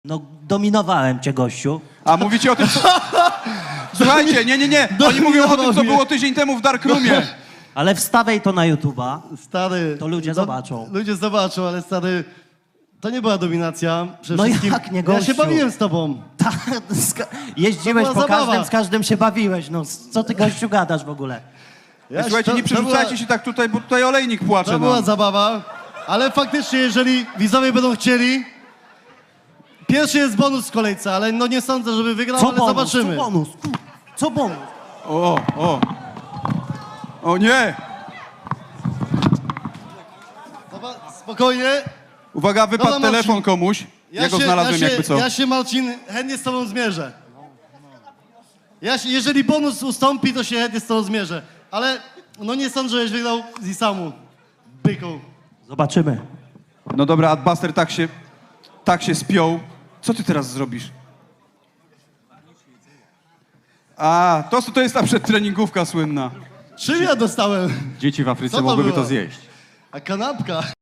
No, dominowałem cię, gościu. A mówicie o tym, co... Słuchajcie, nie. Oni mówią o tym, co było tydzień temu w Darkroomie. Ale wstawiaj to na YouTube'a. Stary... To ludzie zobaczą. Ludzie zobaczą, ale stary... To nie była dominacja. Przede No wszystkim jak nie, ja gościu? się bawiłem z tobą. Tak, jeździłeś To po była każdym, zabawa. z każdym się bawiłeś. No, co ty, gościu, gadasz w ogóle? Słuchajcie, nie przerzucajcie się tak tutaj, bo tutaj olejnik płacze. To była zabawa, ale faktycznie, jeżeli widzowie będą chcieli... Pierwszy jest bonus w kolejce, ale no nie sądzę, żeby wygrał, Co ale bonus? zobaczymy. Co bonus? Co bonus? O nie! Spokojnie. Uwaga, wypadł Dobra, Marcin. telefon komuś. Ja go znalazłem jakby co. Ja się, Marcin, chętnie z tobą zmierzę. Jeżeli bonus ustąpi, to się chętnie z tobą zmierzę. Ale no nie sądzę, żebyś wygrał z Isamu. Byku. Zobaczymy. No dobra, Adbuster tak się spiął. Co ty teraz zrobisz? A, to jest ta przedtreningówka słynna. Czym ja dostałem? Dzieci w Co Afryce to mogłyby było? to zjeść. A kanapka.